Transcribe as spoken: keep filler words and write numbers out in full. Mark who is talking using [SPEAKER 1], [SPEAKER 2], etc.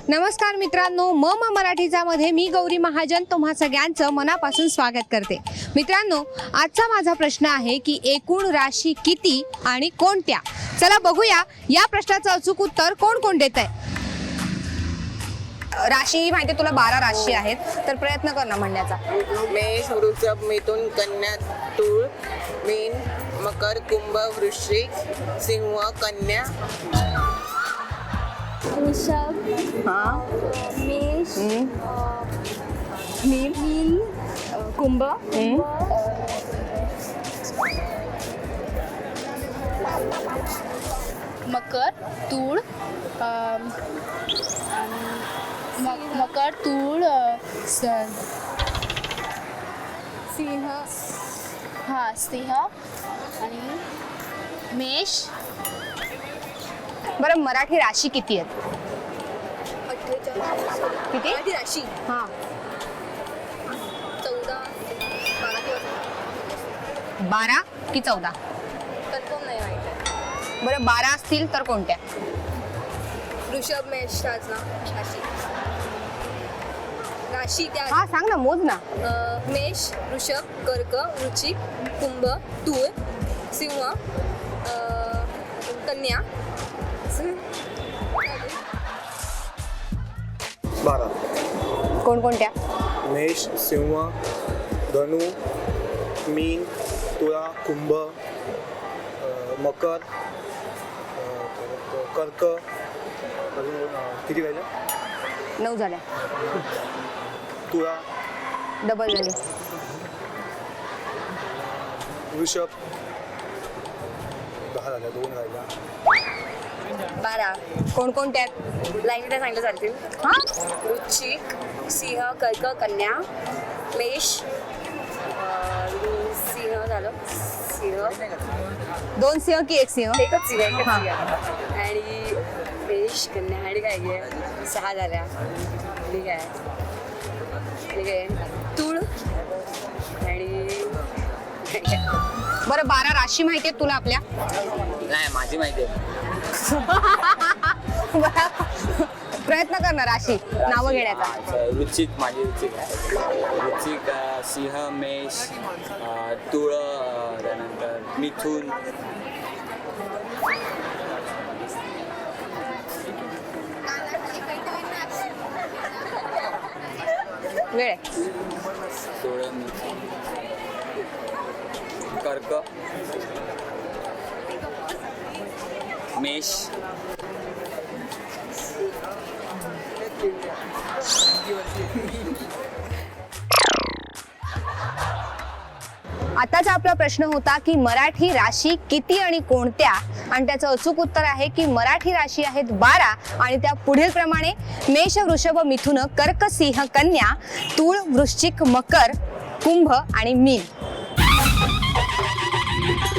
[SPEAKER 1] नमस्कार मित्रांनो, म म मराठीचा मध्ये मी गौरी महाजन तुम्हा सगळ्यांचं मनापासून स्वागत करते। मित्रांनो, आजचा माझा प्रश्न आहे की एकूण राशी किती आणि कोणत्या? चला बघूया या प्रश्नाचं अचूक उत्तर कोण कोण देत आहे। राशी माहिती तुला बारा राशी आहेत, तर प्रयत्न कर ना म्हणण्याचा।
[SPEAKER 2] मेष, वृषभ, मिथुन, कन्या, तूळ, मीन, मकर, कुंभ, वृश्चिक, सिंह, कन्या,
[SPEAKER 3] वृषभ,
[SPEAKER 1] हाँ
[SPEAKER 3] मेष,
[SPEAKER 1] मीन
[SPEAKER 3] मीन,
[SPEAKER 1] कुंभ
[SPEAKER 3] मकर, तूळ, अम, म- मकर, तूळ, अ, स- सिंह, हा सिंह आणि मेष,
[SPEAKER 1] बरं, मराठी राशी किती आहेत? किती
[SPEAKER 4] मराठी राशी
[SPEAKER 1] हां
[SPEAKER 4] चौदा बारा किंवा
[SPEAKER 1] बारा की चौदा?
[SPEAKER 4] कन्फर्म नाही माहिती आहे.
[SPEAKER 1] बरं, बारा असतील तर कोणत्या?
[SPEAKER 4] वृषभ मेष राज ना राशी राशी त्या
[SPEAKER 1] हा सांग ना, मोज ना।
[SPEAKER 4] अं, मेष, वृषभ, कर्क, वृश्चिक, कुंभ, तूळ, सिंह, अं, कन्या,
[SPEAKER 5] बारा।
[SPEAKER 1] कोणकोणत्या?
[SPEAKER 5] मेष, सिंह, धनु, मीन, तुळा, कुंभ, अ, मकर, अ, परत कर्क, अजून अ, किती राहिलं?
[SPEAKER 1] नऊ झाल्या,
[SPEAKER 5] तुळा,
[SPEAKER 1] डबल झाली।
[SPEAKER 5] वृषभ, दहा झाल्या, दोन राहिल्या।
[SPEAKER 4] बारा
[SPEAKER 1] कोणकोणत्या?
[SPEAKER 4] लाईनीला सांगितलं चालतील.
[SPEAKER 1] हा
[SPEAKER 4] वृश्चिक, सिंह, कर्क, कन्या, मेष, अं, सिंह झालं सिंह
[SPEAKER 1] दोन सिंह की एक सिंह?
[SPEAKER 4] एकच सिंह एकच
[SPEAKER 1] हा.
[SPEAKER 4] सिंह आणि मेष, कन्या आणि काय घे सहा झाल्या. ठीक आहे ठीक आहे तूळ आणि
[SPEAKER 1] बरं, बारा राशी माहिती आहेत तुला आपल्या?
[SPEAKER 2] नाही माझी माहिती आहे।
[SPEAKER 1] प्रयत्न कर ना राशी नावं घेण्याचा।
[SPEAKER 6] अच्छा, वृश्चिक माझी वृश्चिक आहे। वृश्चिक अ, सिंह, मेष, अ, तुळ, अ, त्यानंतर मिथुन,
[SPEAKER 1] वेळ आहे।
[SPEAKER 6] तुळ, मिथुन, कर्क, मेष,
[SPEAKER 1] आताचा आपला प्रश्न होता की मराठी राशी किती आणि कोणत्या, आणि त्याचं अचूक उत्तर आहे की मराठी राशी आहेत बारा आणि त्या पुढील प्रमाणे: मेष, वृषभ, मिथुन, कर्क, सिंह, कन्या, तूळ, वृश्चिक, मकर, कुंभ आणि मीन।